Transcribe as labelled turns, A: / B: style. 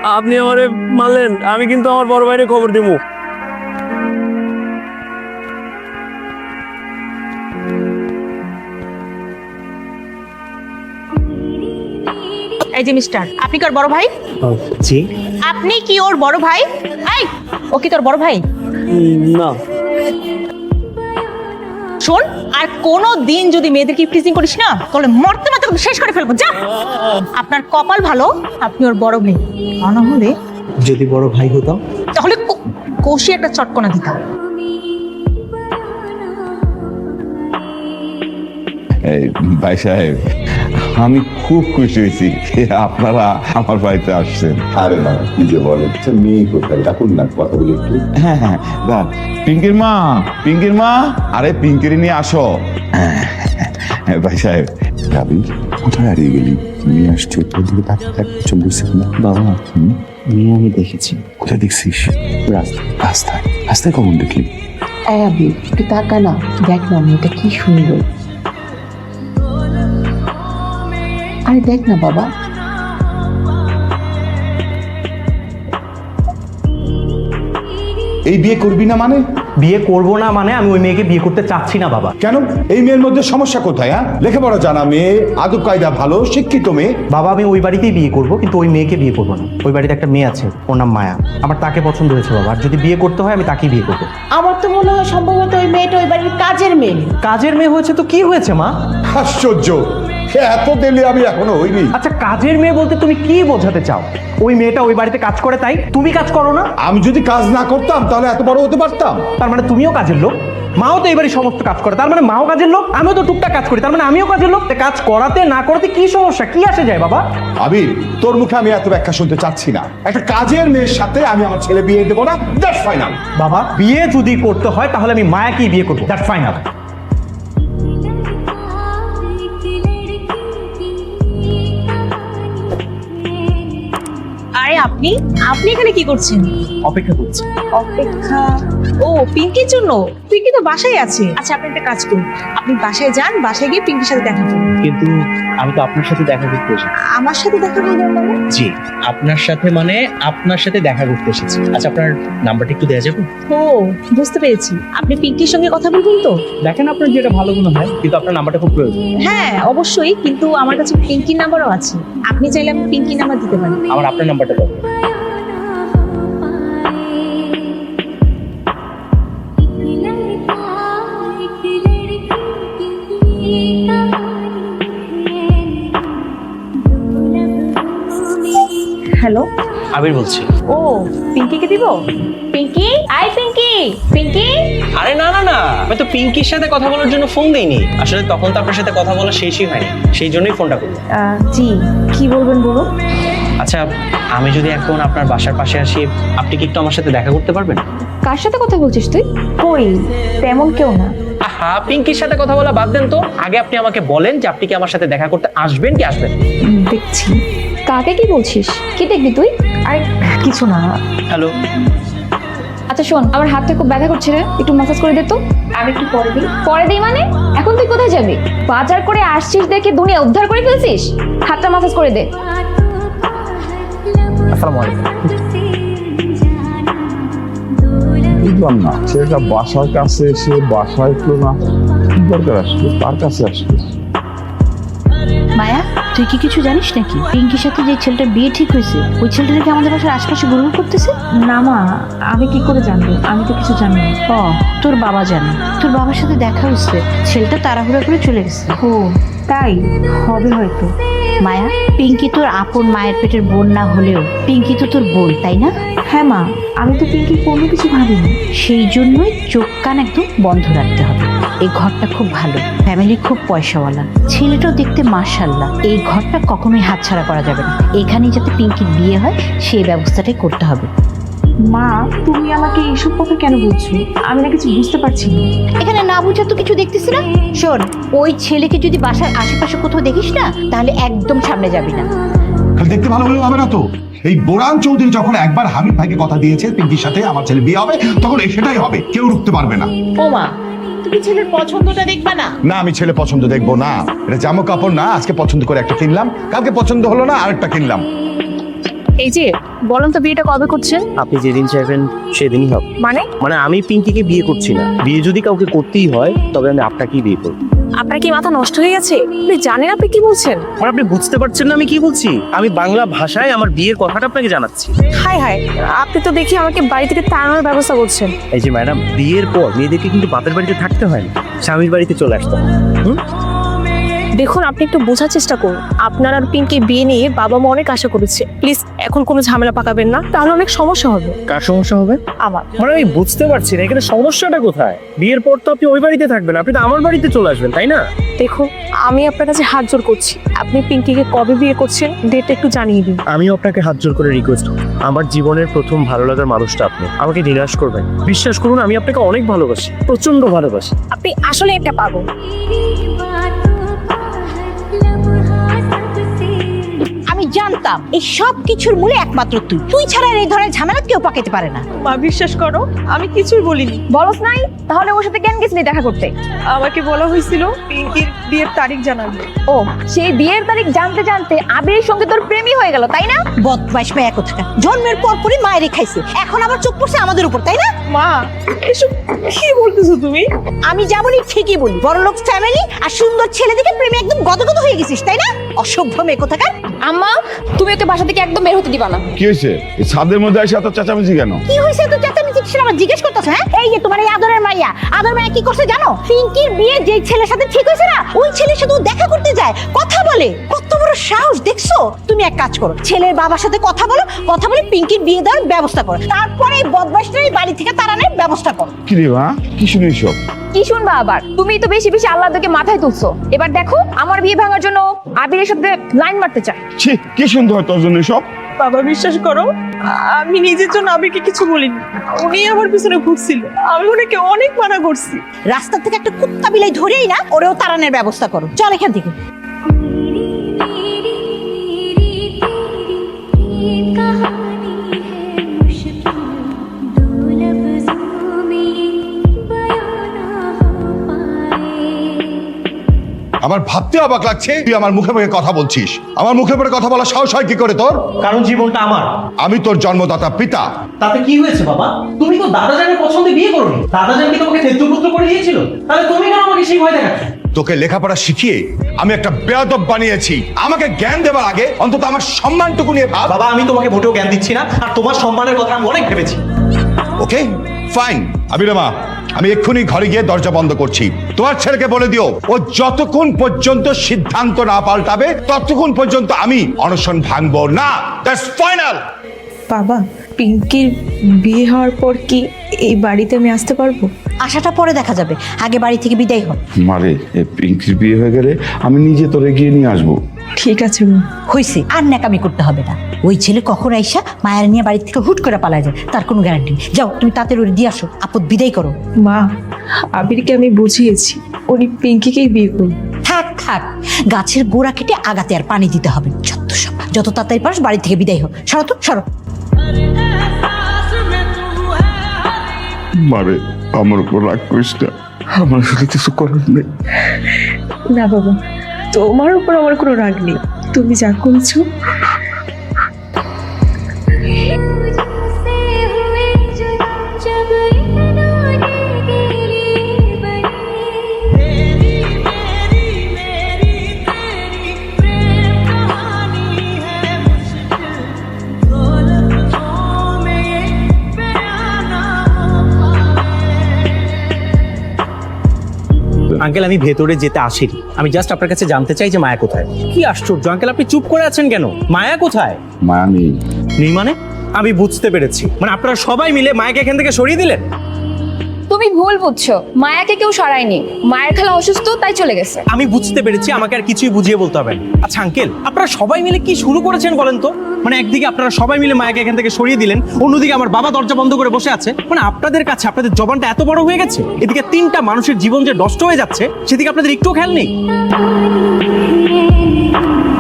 A: আপনি আমারে মারলেন, আমি কিন্তু আমার বড় ভাইরে খবর দিব।
B: এই যে মিস্টার, আপনি কি ওর বড় ভাই?
A: জি
B: আপনি কি ওর বড় ভাই? এই, ও কি তোর বড় ভাই?
A: না।
B: শোন, আর কোনো দিন যদি মেয়েদেরকে ইফটিজিং করিস না, তাহলে মরতে মরতে তোকে শেষ করে ফেলবো। যা, আপনার কপাল ভালো আপনি ওর বড় মেয়ে, তা না হলে
A: যদি বড় ভাই হতাম
B: তাহলে কষি একটা চটকনা দিতাম।
C: ভাই সাহেব, আমি খুব খুশি হয়েছি আপনারা আমার বাড়িতে আসছেন।
D: আরে না, কি যে বলে, মেয়ে কোথায়? ডাকুন না, কথা বলি একটু।
C: হ্যাঁ হ্যাঁ, পিঙ্কির মা, পিঙ্কির মা, আরে পিঙ্কিরি নিয়ে আসো। ভাই সাহেব,
D: রাবি, কোথায় হারিয়ে গেলি? নিয়ে আসছি, তোর দিকে তাকিয়ে থাকছে, বুঝছিস না?
A: বাবা, মেয়ে আমি দেখেছি
D: কোথায় দেখছিস? রাস্তায়। রাস্তায় কখন দেখলি?
E: আবি একটু তাকা না, দেখ না মেয়েটা কি সুন্দর। আরে দেখ না বাবা।
D: এই বিয়ে করবি না মানে?
F: বিয়ে করব না মানে আমি ওই মেয়েকে বিয়ে করতে চাচ্ছি না বাবা।
D: কেন? এই মেয়ের মধ্যে সমস্যা কোথায়? হ্যাঁ, লেখাপড়া জানা মেয়ে, আদব কায়দা ভালো, শিক্ষিত মেয়ে।
F: বাবা, আমি ওই বাড়িতেই বিয়ে করব, কিন্তু ওই মেয়েকে বিয়ে করব না। ওই বাড়িতে একটা মেয়ে আছে, ওর নাম মায়া, আমার তাকে পছন্দ হয়েছে বাবা। আর যদি বিয়ে করতে হয় আমি তাকেই বিয়ে করবো।
E: আমার তো মনে হয় সম্ভবত ওই মেয়েটা ওই বাড়ির কাজের মেয়ে।
F: কাজের মেয়ে হয়েছে তো কি হয়েছে মা?
D: আশ্চর্য, এত দিলে আমি এখনো হইনি।
F: আচ্ছা, কাজের মেয়ে বলতে তুমি কি বোঝাতে চাও? ওই মেয়েটা ওই বাড়িতে কাজ করে, তাই তুমি কাজ করো না?
D: আমি যদি কাজ না করতাম তাহলে এত বড় হতে পারতাম?
F: তার মানে তুমিও কাজের লোক? মাও তো এই বাড়ির সমস্ত কাজ করে, তার মানে মাও কাজের লোক। আমিও তো টুকটাক কাজ করি, তার মানে আমিও কাজের লোক। কাজ করাতে না করাতে কি সমস্যা, কি আসে যায় বাবা?
D: আবির, তোর মুখে আমি এত ব্যাখ্যা শুনতে চাচ্ছি না। একটা কাজের মেয়ের সাথে আমি আমার ছেলে বিয়ে দেবো না, দ্যাটস ফাইনাল।
F: বাবা, বিয়ে যদি করতে হয় তাহলে আমি মায়াকেই বিয়ে করবো, দ্যাটস ফাইনাল।
B: আরে আপনি আপনি এখানে কি করছেন?
F: অপেক্ষা করছি।
B: অপেক্ষা? ও, পিঙ্কির জন্য? পিঙ্কি তো বাসায় আছে। আচ্ছা, আপনি একটা কাজ করুন, আপনি বাসায় যান, বাসায় গিয়ে পিঙ্কির সাথে দেখা করুন।
A: কিন্তু আমি তো আপনার সাথে দেখা করতে এসেছি।
B: আমার সাথে দেখা করবেন মানে?
A: জি, আপনার সাথে মানে আপনার সাথে দেখা করতে এসেছি। আচ্ছা, আপনার নাম্বারটা একটু দেওয়া যাবে?
B: ও, বুঝতে পেরেছি, আপনি পিঙ্কির সঙ্গে কথা বলবেন তো?
A: দেখেন আপনার যেটা ভালো মনে হয়, কিন্তু আপনার নাম্বারটা খুব প্রয়োজন।
B: হ্যাঁ অবশ্যই, কিন্তু আমার কাছে পিঙ্কির নাম্বারও আছে, আপনি চাইলে আমি পিঙ্কির নাম্বার দিতে পারি।
A: আমার আপনার নাম্বারটা দাও।
B: হ্যালো,
A: আবির বলছি।
B: ও পিঙ্কিকে দিব? পিঙ্কি, আই পিঙ্কি, পিঙ্কি।
A: আরে না না না, আমি তো পিঙ্কির সাথে কথা বলার জন্য ফোন দেইনি। আসলে তখন তো আপনার সাথে কথা বলা শেষই হয়নি, সেই জন্যই ফোনটা করলাম।
B: জি, কি বলবেন বলুন।
A: আচ্ছা, আমি যদি এখন আপনার বাসার পাশে আসি, আপনি কি একটু আমার সাথে দেখা করতে পারবেন?
G: কার সাথে কথা বলছিস তুই? কই, তেমন কেউ না।
A: আহা, পিঙ্কির সাথে কথা বলা বাদ দেন তো। আগে আপনি আমাকে বলেন যে আপনি কি আমার সাথে দেখা করতে আসবেন কি আসবেন?
G: দেখছি। কাকে কি বলছিস? কি দেখবি তুই?
B: আরে কিছু না।
A: হ্যালো।
G: আচ্ছা শোন, আমার হাতটা খুব ব্যথা করছে রে, একটু ম্যাসাজ করে দে তো।
B: আমি একটু পরে দিই।
G: পরে দিই মানে? এখন তুই কোথায় যাবি? বাজার করে আসছিস দেখে দুনিয়া উদ্ধার করে ফেলছিস? হাতটা ম্যাসাজ করে দে।
F: আসসালামু আলাইকুম।
D: বুঝলাম না, ছেলেটা বাসার কাছে এসে বাসায় একটু না, কি দরকার আসলো, তার কাছে আসলো?
H: মায়া, তুই কি কিছু জানিস নাকি? পিঙ্কির সাথে যে ছেলেটার বিয়ে ঠিক হয়েছে, ওই ছেলেটা নাকি আমাদের বাসার আশপাশে ঘুরঘুর করতেছে।
B: না মা, আমি কি করে জানবো? আমি তো কিছু জানি না।
H: ও, তোর বাবা জানে। তোর বাবার সাথে দেখা হয়েছে, ছেলেটা তাড়াহুড়া করে চলে গেছে।
B: ও তাই হবে হয়তো।
H: মায়া, পিঙ্কি তোর আপন মায়ের পেটের বোন না হলেও পিঙ্কি তো তোর বোন, তাই না?
B: হ্যাঁ মা, আমি তো পিঙ্কি কোনো কিছু ভাবিনি।
H: সেই জন্যই চোখ কান একদম বন্ধ রাখতে হবে। এই ঘরটা খুব ভালো, ফ্যামিলি খুব পয়সাওয়ালা, ছেলেটাও দেখতে মাশাআল্লাহ। এই ঘরটা কখনোই হাতছাড়া করা যাবে না। এখানেই যাতে পিঙ্কির বিয়ে হয় সেই ব্যবস্থাটাই করতে হবে।
B: মা, তুমি আমাকে এইসব কথা কেন বলছো? আমি না কিছু বুঝতে পারছি না।
H: এখানে না বুঝা তো কিছু দেখতেছি না। শোন, ওই ছেলেকে যদি বাসার আশেপাশে কোথাও দেখিস না, তাহলে একদম সামনে যাবি না।
D: খালি দেখতে ভালো হলেও হবে না তো। এই বোরান চৌধুরী যখন একবার হাবিব ভাইকে কথা দিয়েছে পিঙ্কির সাথে আমার ছেলে বিয়ে হবে, তখন সেটাই হবে, কেউ রুখতে পারবে না।
B: ও মা, তুমি ছেলের পছন্দটা দেখবা না?
D: না, আমি ছেলে পছন্দ দেখবো না। এটা জামা কাপড় না, আজকে পছন্দ করে একটা কিনলাম, কালকে পছন্দ হলো না আরেকটা কিনলাম।
G: এই যে বলেন তো বিয়েটা কবে করছেন?
A: আপনি যেদিন চাইবেন সেদিনই হবে।
G: মানে
A: আমি পিঙ্কিকে বিয়ে করছি না, বিয়ে যদি কাউকে করতেই হয় তবে আমি আপনাকেই বিয়ে করব।
G: আপনার কি মাথা নষ্ট হয়ে গেছে? আপনি জানেন আপনি কি বলছেন?
A: আপনি বুঝতে পারছেন না আমি কি বলছি? আমি বাংলা ভাষায় আমার বিয়ের কথাটা আপনাকে জানাচ্ছি।
G: হাই হাই, আপনি তো দেখি আমাকে বাড়ি থেকে তাড়ানোর ব্যবস্থা করছেন।
A: এই যে ম্যাডাম, বিয়ের পর মেয়েদেরকে কিন্তু বাপের বাড়িতে থাকতে হয় না, স্বামীর বাড়িতে চলে আসতে হয়।
G: দেখুন, আপনি একটু বোঝার চেষ্টা করুন। আপনার আর পিঙ্কি বিয়ে নিয়ে বাবা মা অনেক আশা করেছে। প্লিজ এখন কোনো ঝামেলা পাকাবেন না, তাহলে অনেক সমস্যা হবে।
A: কার সমস্যা হবে?
G: আমার।
A: আমি বুঝতে পারছি না এখানে সমস্যাটা কোথায়। বিয়ের পর তো আপনি ওই বাড়িতে থাকবেন, আপনি তো আমার বাড়িতে চলে আসবেন, তাই না?
G: দেখুন, আমি আপনার কাছে হাত জোর করছি, আপনি পিঙ্কিকে কবে বিয়ে করছেন ডেটটা একটু জানিয়ে দিন।
A: আমিও আপনাকে হাত জোর করে রিকোয়েস্ট করি, আমার জীবনের প্রথম ভালো লাগার মানুষটা আপনি, আমাকে নিরাশ করবেন। বিশ্বাস করুন, আমি আপনাকে অনেক ভালোবাসি, প্রচন্ড ভালোবাসি।
G: আপনি আসলে একটা পাগল।
B: আমি জানতাম এই সব কিছুর মূলে একমাত্র তুই ছাড়া আর এই ধরনের ঝামেলা কেউ পাকাতে পারে না।
I: মা বিশ্বাস করো, আমি কিছুই বলিনি।
G: বলস নাই? তাহলে ওর সাথে কেন গেছিলি দেখা করতে?
I: আমাকে বলা হয়েছিল পিঙ্কির বিয়ের তারিখ জানাবে।
G: ও, সেই বিয়ের তারিখ জানতে জানতে আবিরের সঙ্গে তোর প্রেমই হয়ে গেল, তাই না?
B: বদমাইশ মেয়ে কোথাকার, জন্মের পর পরই মায়েরে খাইছে, এখন আবার চোখ পড়ছে আমাদের উপর, তাই না?
I: মা এসব কি বলতেছো তুমি?
B: আমি যা বলি ঠিকই বলি। বড়লোক ফ্যামিলি আর সুন্দর ছেলে দেখে প্রেমে একদম গদগদ হয়ে গেছিস, তাই না? অসভ্য মেয়ে কোথাকার।
G: আম্মা, তুমি ওকে বাসা থেকে একদম বের হতে দিবা না।
C: কি হয়েছে? এই ছাদের মধ্যে এসে এত চেঁচামেচি কেন?
B: কি হয়েছে তো চেঁচামেচি কিসের আমার জিজ্ঞেস করতেছ? হ্যাঁ, এই যে তোমার এই আদরের মাইয়া, আদর মাইয়া কি করছে জানো? পিঙ্কির বিয়ে যে ছেলের সাথে ঠিক হয়েছে না, ওই ছেলের সাথে ও দেখা করতে যায়, কথা বলে। কত বড় সাহস দেখছো? তুমি এক কাজ করো, ছেলের বাবার সাথে কথা বলো, কথা বলে পিঙ্কির বিয়ে দেওয়ার ব্যবস্থা করো, তারপরে এই বদমাইশটা এই বাড়ি থেকে তাড়ানোর ব্যবস্থা করো।
C: কি রে মা, কি শুনিস সব?
G: কি শুনবা আবার? তুমি তো বেশি বেশি আল্লাহকে মাথায় তুলছো। এবার দেখো, আমার বিয়ে ভাঙার জন্য আবিরের সাথে লাইন মারতে চায়।
C: ছি, কি শুনতে হয় তোর জন্য সব?
I: বাবা বিশ্বাস করো, আমি নিজের জন্য আবিরকে কিছু বলিনি। উনি আমার পিছনে ঘুরছিল, আমি ওনাকে অনেক মানা করছি।
B: রাস্তা থেকে একটা কুত্তা বিলাই ধরেই না ওরেও তাড়ানোর ব্যবস্থা করো। চল এখান থেকে।
D: আমার ভাবতে অবাক লাগছে তুই আমার মুখে মুখে কথা বলছিস। আমার মুখে মুখে কথা বলা সাহস হয় কি করে তোর?
A: কারণ জীবনটা আমার।
D: আমি তোর জন্মদাতা পিতা।
A: তাতে কি হয়েছে বাবা? তুমি তো দাদাজানের পছন্দে বিয়ে করোনি, দাদাজান কি তোমাকে তেজপুত্র করে দিয়েছিল? তাহলে তুমি কেন আমাকে সেই ভয় দেখাচ্ছ?
D: তোকে লেখাপড়া শিখিয়ে আমি একটা বেয়াদব বানিয়েছি। আমাকে জ্ঞান দেওয়ার আগে অন্তত আমার সম্মানটুকু নিয়ে ভাব।
A: বাবা, আমি তোমাকে মোটেও জ্ঞান দিচ্ছি না, আর তোমার সম্মানের কথা আমি অনেক ভেবেছি।
D: ওকে ফাইন আবিরমা, আমি এক্ষুনি ঘরে গিয়ে দরজা বন্ধ করছি। তোমার ছেলেকে বলে দিও, ও যতক্ষণ পর্যন্ত সিদ্ধান্ত না পাল্টাবে ততক্ষণ পর্যন্ত আমি অনশন ভাঙবো না। That's final.
I: বাবা, পিঙ্কির বিয়ে হওয়ার পর কি এই বাড়িতে আমি আসতে পারবো?
B: আশাটা পরে দেখা যাবে, আগে বাড়ি থেকে বিদায় হ।
C: মারে, এই পিঙ্কির বিয়ে হয়ে গেলে আমি নিজে তোরে গিয়ে নিয়ে আসবো।
I: ঠিক আছে মা।
B: হইছে, আর ন্যাকামি করতে হবে না। ওই ছেলে কখন আইসা মায়ের নিয়ে বাড়ি থেকে হুট করে পালায় যায় তার কোনো গ্যারান্টি নেই। যাও তুমি তাড়াতাড়ি ওরে দিয়ে আসো, আপদ বিদায় করো।
I: মা, আবিরকে আমি বুঝিয়েছি উনি পিঙ্কিকেই বিয়ে করবে।
B: থাক থাক, গাছের গোড়া কেটে আগাতে আর পানি দিতে হবে না। যত সব, যত তাড়াতাড়ি পারস বাড়ি থেকে বিদায় হোক। সরো তো, সরো।
C: মারে, আমার উপর রাগ করিস না, আমার আসলে কিছু করার নেই।
I: না বাবা, তোমার উপর আমার কোনো রাগ নেই, তুমি যা করেছো।
A: আঙ্কেল, আমি ভেতরে যেতে আসিনি, আমি জাস্ট আপনার কাছে জানতে চাই যে মায়া কোথায়। কি আশ্চর্য আঙ্কেল, আপনি চুপ করে আছেন কেন? মায়া কোথায়?
C: মায়া নেই।
A: নেই মানে? আমি বুঝতে পেরেছি, মানে আপনারা সবাই মিলে মায়াকে এখান থেকে সরিয়ে দিলেন।
G: তুমি ভুল বুঝছো, মায়াকে কেউ সরায়নি। মায়ের খালা অসুস্থ, তাই চলে গেছে।
A: আমি বুঝতে পেরেছি, আমাকে আর কিছুই বুঝিয়ে বলতে হবে না। আচ্ছা আঙ্কেল, আপনারা সবাই মিলে কি শুরু করেছেন বলেন তো? মানে একদিকে আপনারা সবাই মিলে মায়াকে এখান থেকে সরিয়ে দিলেন, অন্যদিকে আমার বাবা দরজা বন্ধ করে বসে আছে। মানে আপনাদের কাছে আপনাদের জবানটা এত বড় হয়ে গেছে, এদিকে 3টা মানুষের জীবন যে নষ্ট হয়ে যাচ্ছে সেদিকে আপনাদের একটুও খেয়াল নেই।